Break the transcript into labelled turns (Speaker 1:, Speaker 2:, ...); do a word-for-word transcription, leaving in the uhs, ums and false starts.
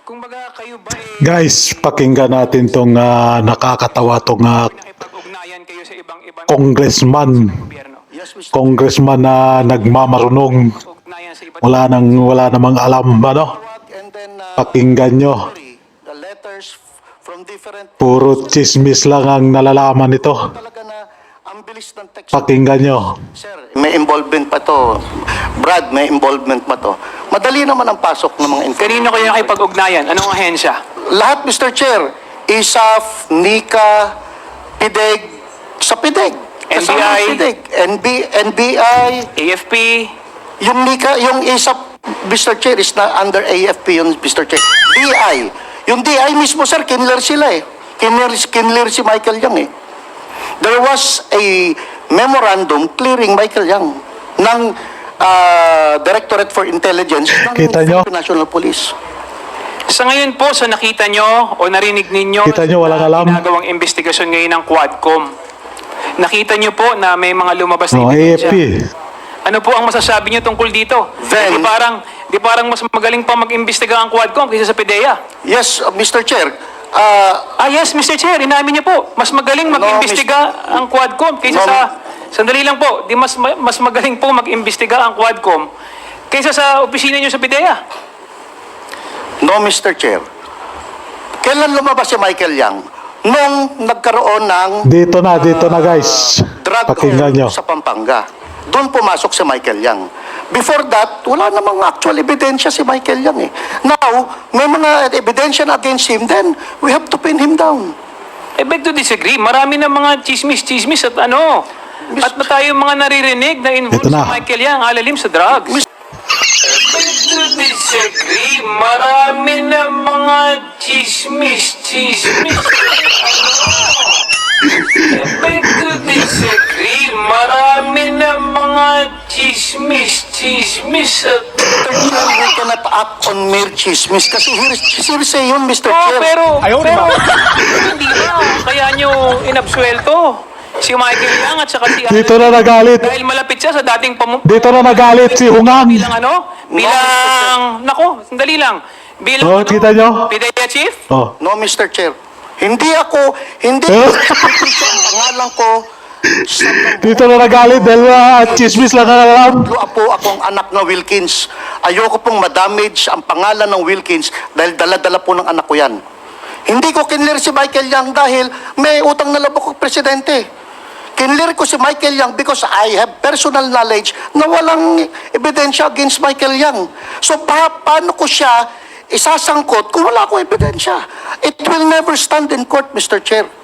Speaker 1: Kumbaga kayo ba eh
Speaker 2: Guys, pakinggan natin tong ah, nakakatawa tong ah,
Speaker 1: nakipag-ugnayan kayo sa ibang ibang
Speaker 2: congressman,
Speaker 1: gobyerno?
Speaker 3: Yes, Mister
Speaker 2: congressman na nagmamarunong,
Speaker 1: Ugnayan sa iba't
Speaker 2: wala nang wala namang alam ano.
Speaker 3: And then, uh,
Speaker 2: Pakinggan nyo,
Speaker 3: the letters from different...
Speaker 2: puro chismis lang ang nalalaman nito.
Speaker 3: Talaga na ang bilis ng text.
Speaker 2: Pakinggan nyo.
Speaker 3: Sir, may involvement pa to. Brad, may involvement pa to. Madali naman ang pasok ng mga information.
Speaker 1: Kanino kayo nakipag-ugnayan? Anong ahensya?
Speaker 3: Lahat, Mister Chair, I S A F, NICA, PIDEG, sa PIDEG.
Speaker 1: N B I,
Speaker 3: Kasama ang PIDEG, N B, N B I,
Speaker 1: A F P,
Speaker 3: yung NICA, yung I S A F, Mister Chair, is na under A F P yun, Mister Chair. D I. Yung D I mismo, sir, kinler sila eh. Kinler, kinler si Michael Yang eh. There was a memorandum clearing Michael Yang ng uh, Directorate for Intelligence ng
Speaker 2: Kita nyo?
Speaker 3: Philippine National Police.
Speaker 1: sa ngayon po, sa nakita nyo o narinig ninyo
Speaker 2: Kita nyo, walang
Speaker 1: na
Speaker 2: alam.
Speaker 1: ginagawang investigasyon ngayon ng Quadcom, nakita nyo po na may mga lumabas na
Speaker 2: Oh, A F
Speaker 1: ebidensya.
Speaker 2: P.
Speaker 1: Ano po ang masasabi nyo tungkol dito?
Speaker 3: Then-
Speaker 1: di parang, di parang mas magaling pa mag-imbestiga ang Quadcom kaysa sa PIDEA.
Speaker 3: Yes, uh, Mister Chair. Uh,
Speaker 1: Ah yes, Mister Chair, inamin niyo po, mas magaling mag-imbestiga ang Quadcom kaysa
Speaker 3: No,
Speaker 1: sa... Sandali lang po, di mas ma- mas magaling po mag-imbestiga ang Quadcom kaysa sa opisina niyo sa PIDEA.
Speaker 3: no, Mister Chair. Kailan lumabas si Michael Yang? Nung nagkaroon ng
Speaker 2: Dito na, dito na guys.
Speaker 3: drug
Speaker 2: Pakinggan nyo.
Speaker 3: sa Pampanga. Doon pumasok si Michael Yang. Before that, wala namang actual ebidensya si Michael Yang eh. Now, may mga ebidensya na against him, then we have to pin him down.
Speaker 1: I beg to disagree, marami na mga chismis-chismis at ano. At na tayo mga naririnig na involved
Speaker 2: Ito na.
Speaker 1: si Michael Yang, alalim sa drugs.
Speaker 3: Mis-
Speaker 1: I beg to disagree, marami na mga chismis-chismis. I beg to disagree, marami na mga chismis-chismis at...
Speaker 3: We cannot act on mere chismis kasi hearsay hearsay yun, Mister
Speaker 1: Oh,
Speaker 3: Chair.
Speaker 1: pero, pero, hindi ba? Kaya nyo inabsuelto si Michael Yang at saka si...
Speaker 2: Dito na nagalit.
Speaker 1: Dahil malapit siya sa dating pamu...
Speaker 2: Dito na nagalit si Hungang.
Speaker 1: Bilang ano? Bilang... Nako, sandali lang. Bilang
Speaker 2: Oh,
Speaker 1: ano?
Speaker 2: kita nyo?
Speaker 1: PIDEA chief?
Speaker 2: Oh.
Speaker 3: No, Mister Chair. Hindi ako, hindi
Speaker 2: Eh?
Speaker 3: ang pangalan ko sa
Speaker 2: Dito na nagalit dahil uh, chismis lang ang alam.
Speaker 3: Lo apo akong anak na Wilkins. Ayoko pong madamage ang pangalan ng Wilkins dahil dala-dala po ng anak ko yan. Hindi ko kinlir si Michael Yang dahil may utang na labok ang presidente. Kinlir ko si Michael Yang because I have personal knowledge na walang ebidensya against Michael Yang. So pa paano ko siya isasangkot kung wala akong ebidensya? It will never stand in court, Mister Chair.